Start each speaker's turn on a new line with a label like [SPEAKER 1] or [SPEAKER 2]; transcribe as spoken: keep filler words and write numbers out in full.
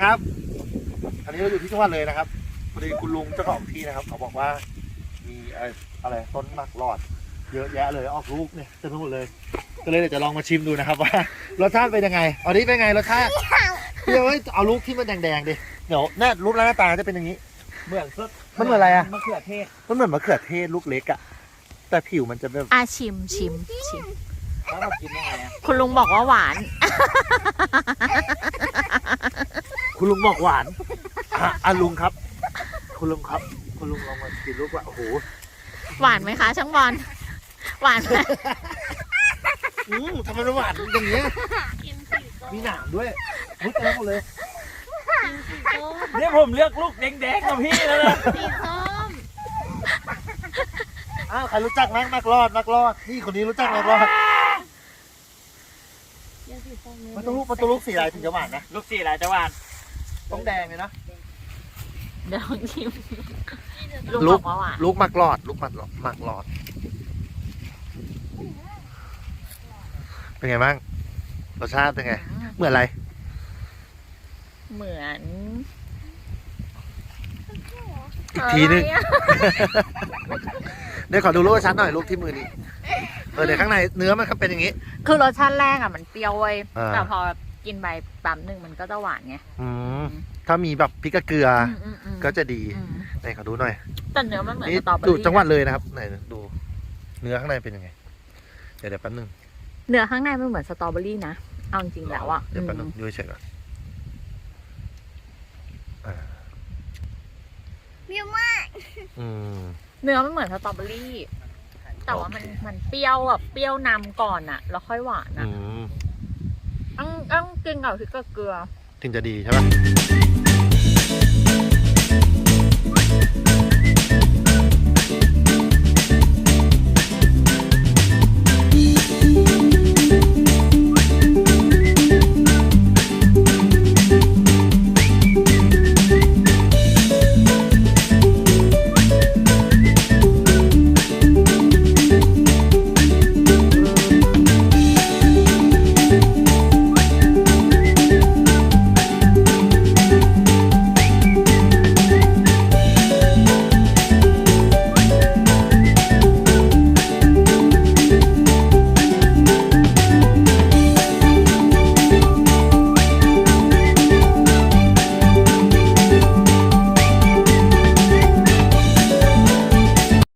[SPEAKER 1] ครับอันนี้เราอยู่ที่จังหวัดเลยนะครับพอดีคุณลุงเจ้าของที่นะครับเขาบอกว่ามีอะไรอะไรต้นหมากหลอดเยอะแยะเลยออกลูกเนี่ยเต็มไปหมดเลยก็เลยเดี๋ยวจะลองมาชิมดูนะครับว่ารสชาติเป็นยังไงอันนี้เป็นไงรสชาติเดี๋ยวเอาลูกที่มันแดงๆดิเดี๋ยวแน่รูปร่างหน้าตาจะเป็นอย่างนี้เหมือนมันเหมือนอะไรอะ
[SPEAKER 2] มะเขือเทศ
[SPEAKER 1] มันเหมือนมะเขือเทศลูกเล็กอะแต่ผิวมันจะแบบ
[SPEAKER 3] อาชิมชิมชิม
[SPEAKER 2] แล้วเรากินยังไงอะ
[SPEAKER 3] คุณลุงบอกว่าหวาน
[SPEAKER 1] คุณลุงบอกหวานอ่ะอ่ะลุงครับ คุณลุงครับ คุณลุงลองมากินลูกว่าโอ้โห
[SPEAKER 3] หวานไหมคะช่างบอลหวานไหม
[SPEAKER 1] อืมทำไมมันหวานอย่างเงี้ย
[SPEAKER 3] กินสีส้ม
[SPEAKER 1] มีหนามด้วยมุดเต็มหมดเลย
[SPEAKER 3] กินสีส้ม
[SPEAKER 2] เนี่ยผมเลือกลูกแดงๆกับพี่แล้วนะ
[SPEAKER 3] สีส้ม
[SPEAKER 1] อ้าวใครรู้จักนักนักรอดนักรอดนี่คนนี้รู้จักนักรอดมันต้องลูกมันต้องลูกสีอะไรถึงจะหวานนะ
[SPEAKER 2] ลูกสี่หลายจังหวัด
[SPEAKER 1] ต้องแดงเลยนะ
[SPEAKER 3] เดี๋ยวลองชิม
[SPEAKER 1] ลู
[SPEAKER 3] ลุง
[SPEAKER 1] ก
[SPEAKER 3] บอกว่าหวาน
[SPEAKER 1] ลูกหมักหลอด ลูกหมักหลอดหมักหลอด เป็นไงบ้างรสชาติเป็นไงเหมือนอะไร
[SPEAKER 3] เหมือน
[SPEAKER 1] อีกทีนึง
[SPEAKER 3] อะไรอะ
[SPEAKER 1] เดี๋ยวขอดูรูปชัดหน่อยรูปที่มือนี้เออเดี๋ยวข้างในเนื้อมันเป็นอย่างนี้
[SPEAKER 3] คือรสชาติแรกอ่ะมันเปรี้ยวเว้ย
[SPEAKER 1] อ่า
[SPEAKER 3] แต่พอกินไปปั๊มหนึ่งมันก็จะหวานไง
[SPEAKER 1] อืมถ้ามีแบบพริกกระเกลืออ
[SPEAKER 3] อืมอืม
[SPEAKER 1] ก็จะดี
[SPEAKER 3] อืม
[SPEAKER 1] ไหนขอดูหน่อย
[SPEAKER 3] แต่เนื้อมันเหมือน
[SPEAKER 1] นี่
[SPEAKER 3] สตรอเบอ
[SPEAKER 1] ดู
[SPEAKER 3] รี่
[SPEAKER 1] จังหวัดเลยนะครับไหนดู เนื้อข้างในเป็นยังไง เดี๋ยวเดี๋ยวแป๊บนึง
[SPEAKER 3] เนื้อข้างในมันเหมือนสตรอเบอรี่นะเอาจริงๆแล้วอ่ะ
[SPEAKER 1] เดี๋ยวแป๊บนึ
[SPEAKER 3] อื
[SPEAKER 1] ง
[SPEAKER 3] ม
[SPEAKER 1] ดูเฉยๆก่อนอ่า
[SPEAKER 4] วิวมาก
[SPEAKER 1] อืม
[SPEAKER 3] เนื้อมันเหมือนสตรอเบอรี่ แต่ว่ามัน
[SPEAKER 1] โอเค
[SPEAKER 3] มันเปรี้ยวแบบเปรี้ยวนำก่อนอ่ะ แล้วค่อยหวาน
[SPEAKER 1] อื
[SPEAKER 3] อ่ะ
[SPEAKER 1] ม
[SPEAKER 3] ต้องต้องกินกับพริกกับเกลือ
[SPEAKER 1] ถึงจะดีใช่ปะ